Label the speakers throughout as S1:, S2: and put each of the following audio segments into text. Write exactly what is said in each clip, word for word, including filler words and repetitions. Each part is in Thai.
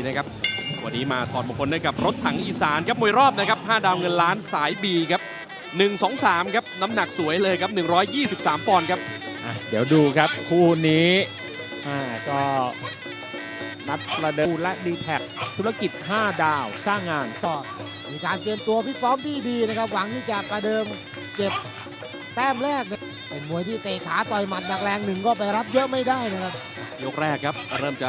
S1: นะครับวันนี้มาถอดมงคลด้วยกับรถถังอีสานครับมวยรอบนะครับห้าดาวเงินล้านสาย B ครับหนึ่ง สอง สามครับน้ำหนักสวยเลยครับหนึ่งร้อยยี่สิบสามปอนด์ครับ
S2: เดี๋ยวดูครับคู่นี้ก็นัดประเดิมและดีแท็กธุรกิจห้าดาวสร้างงาน
S3: สอบมีการเตรียมตัวฟิตซ้อมที่ดีนะครับหวังที่จะประเดิมเก็บแต้มแรกเป็นมวยที่เตะขาต่อยหมัดหนักแรงหนึ่งก็ไปรับเยอะไม่ได้นะครับ
S1: ยกแรกครับเริ่มจะ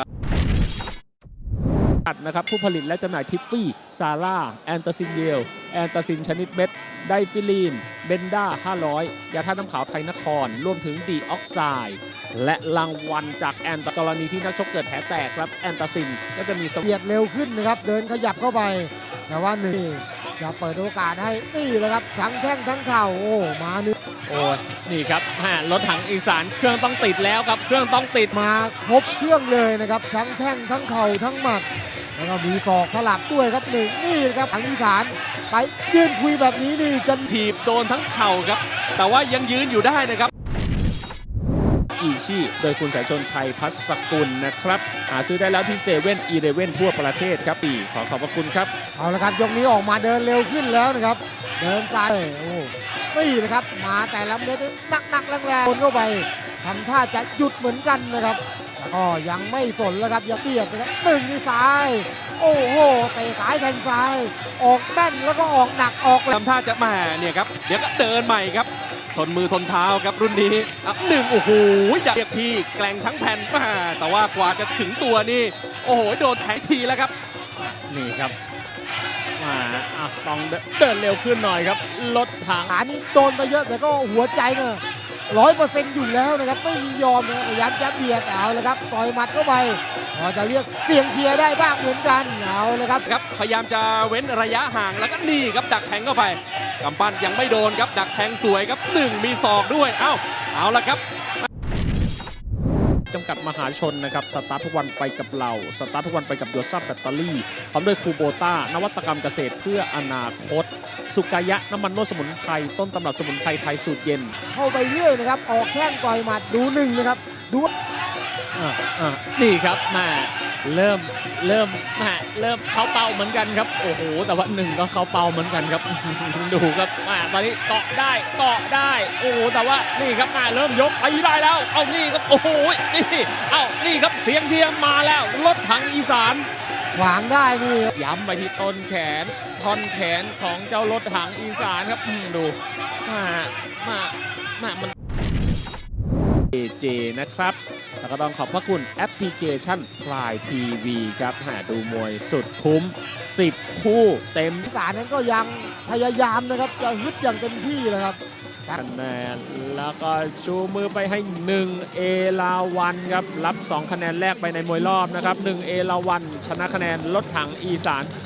S2: นะครับผู้ผลิตและจำหน่ายทิฟฟี่ซาร่าแอนตาซินเยลแอนตาซินชนิดเม็ดไดฟิลีนเบนด้าห้าร้อยยาท่าน้ำขาวไทยนครรวมถึงดีออกไซด์และรางวัลจากแอนตากรณีที่นักชกเกิดแผลแตกครับแอนตาซินก็จะมี
S3: เบียดเร็วขึ้นนะครับเดินขยับเข้าไปแต่ว่าหนึ่งจะเปิดโอกาสให้นี่เลยครับทั้งแข้งทั้งเข่าโอ้มาหนึ่ง
S2: โอ้นี่ครับรถถังอีสานเครื่องต้องติดแล้วครับเครื่องต้องติด
S3: มาครบเครื่องเลยนะครับทั้งแข้งทั้งเข่าทั้งหมัดแล้วก็มีศอกสลับด้วยครับหนึ่งนี่ครับถังอีสานไปยืนคุยแบบนี้นี่กัน
S1: ถีบโดนทั้งเข่าครับแต่ว่ายังยืนอยู่ได้นะครับ
S2: อีชีโดยคุณสายชนชัยพัสกุลนะครับหาซื้อได้แล้วที่เซเว่นอีเลฟเว่นทั่วประเทศครับปีขอขอบพระคุณครับ
S3: เอาละครับยกนี้ออกมาเดินเร็วขึ้นแล้วนะครับเดินไปโอ้นี่นะครับมาแต่ละเม็ดหนักๆแรงๆคนเข้าไปทำท่าจะหยุดเหมือนกันนะครับแล้วก็ยังไม่สนแล้วครับอย่าเบียดนะครับหนึ่งนี่ซ้ายโอ้โหเตะซ้ายแทงซ้ายออกแม่นแล้วก็ออกหนักออก
S1: ทำท่าจะมาเนี่ยครับเดี๋ยวก็เดินใหม่ครับทนมือทนเท้าครับรุ่นนี้หนึ่งโอ้โหดักพี่แกล้งทั้งแผ่นมาแต่ว่ากว่าจะถึงตัวนี่โอ้โหโดนแทงทีแล้วครับ
S2: นี่ครับมาต้องเดินเร็วขึ้นหน่อยครับรถถัง
S3: ขานี้โดนไปเยอะแต่ก็หัวใจเนี่ยร้อยเปอร์เซ็นต์อยู่แล้วนะครับไม่มียอมนะพยายามจะเบียดเอาเลยครับต่อยหมัดเข้าไปพอจะเรียกเสียงเชียร์ได้บ้างเหมือนกันเอาเลยครับ
S1: ครับพยายามจะเว้นระยะห่างแล้วก็นี่ครับดักแทงเข้าไปกำปั้นยังไม่โดนครับดักแทงสวยครับหนึ่งมีศอกด้วยเอ้าเอาละครับ
S2: จำกัดมหาชนนะครับสตาร์ททุกวันไปกับเราสตาร์ททุกวันไปกับโยซับแบตเตอรี่พร้อมด้วยคูโบต้านวัตกรรมเกษตรเพื่ออนาคตสุกายะน้ำมันนวดสมุนไพรต้นตำรับสมุนไพรไทยสูตรเย็น
S3: เข้าไปเรื่อยนะครับออกแข้งต่อยหมัดดูหนึ่งนะครับดู
S2: อ่าอ่านี่ครับมาเริ่มเริ่มมาเริ่มเข้าเป้าเหมือนกันครับโอ้โหแต่ว่าหนึ่งก็เข้าเป้าเหมือนกันครับดูครับมาตอนนี้เกาะได้เกาะได้โอ้โหแต่ว่านี่ครับมาเริ่มยกไปได้แล้วเอานี่ครับโอ้โหนี่เอานี่ครับเสียงเชียร์มาแล้วรถถังอีสาน
S3: ขวางได้นี่
S2: ย้ำไปที่ต้นแขนท่อนแขนของเจ้ารถถังอีสานครับดูมามามามันเอ เจ นะครับแล้วก็ต้องขอบพระคุณแอปพลิเคชันพลายทีวีครับหาดูมวยสุดคุ้มสิบคู่เต็ม
S3: การนั้นก็ยังพยายามนะครับจะฮึดอย่างเต็มที่เลยครับ
S2: คะแนนแล้วก็ชูมือไปให้หนึ่งเอลาวันครับรับสองคะแนนแรกไปในมวยรอบนะครับหนึ่งเอลาวันชนะคะแนนรถถังอีสาน